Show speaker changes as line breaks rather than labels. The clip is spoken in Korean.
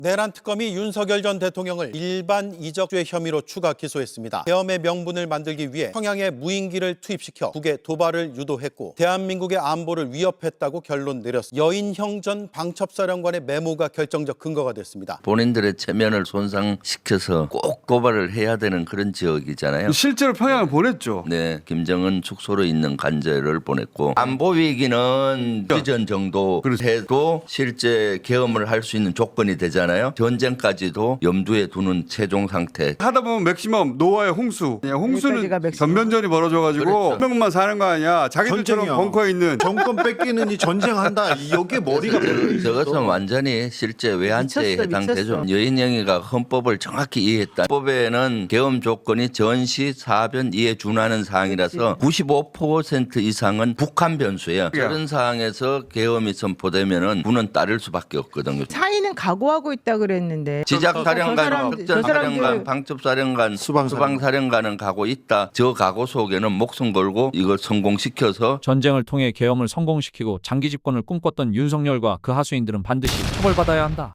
내란 특검이 윤석열 전 대통령을 일반 이적죄 혐의로 추가 기소했습니다. 계엄의 명분을 만들기 위해 평양에 무인기를 투입시켜 북의 도발을 유도했고 대한민국의 안보를 위협했다고 결론 내렸습니다. 여인형 전 방첩사령관의 메모가 결정적 근거가 됐습니다.
본인들의 체면을 손상시켜서 꼭 도발을 해야 되는 그런 지역이잖아요.
실제로 평양을 보냈죠.
네, 김정은 축소로 있는 관제를 보냈고 안보 위기는 비전 정도 해도 실제 계엄을 할 수 있는 조건이 되잖아요. 전쟁까지도 염두에 두는 최종 상태.
하다 보면 맥시멈 노아의 홍수. 홍수는
여기까지가 맥시멈.
전면전이 벌어져가지고
그렇죠.
한 명만 사는 거 아니야. 자기들처럼
전쟁이야.
벙커에 있는.
정권 뺏기느니 전쟁한다. 여기에 머리가
저것은 완전히 실제 외환죄에
미쳤어,
해당되죠.
미쳤어.
여인영이가 헌법을 정확히 이해했다. 헌법에는 계엄 조건이 전시 사변 이에 준하는 사항이라서 95% 이상은 북한 변수예요. 저런 사항에서 계엄이 선포되면은 군은 따를 수밖에 없거든요.
차이는 각오하고 있다 그랬는데
지작사령관,
저
특전사령관, 방첩사령관, 수방사령관은 가고 있다. 저 각오 속에는 목숨 걸고 이걸 성공시켜서
전쟁을 통해 계엄을 성공시키고 장기 집권을 꿈꿨던 윤석열과 그 하수인들은 반드시 처벌받아야 한다.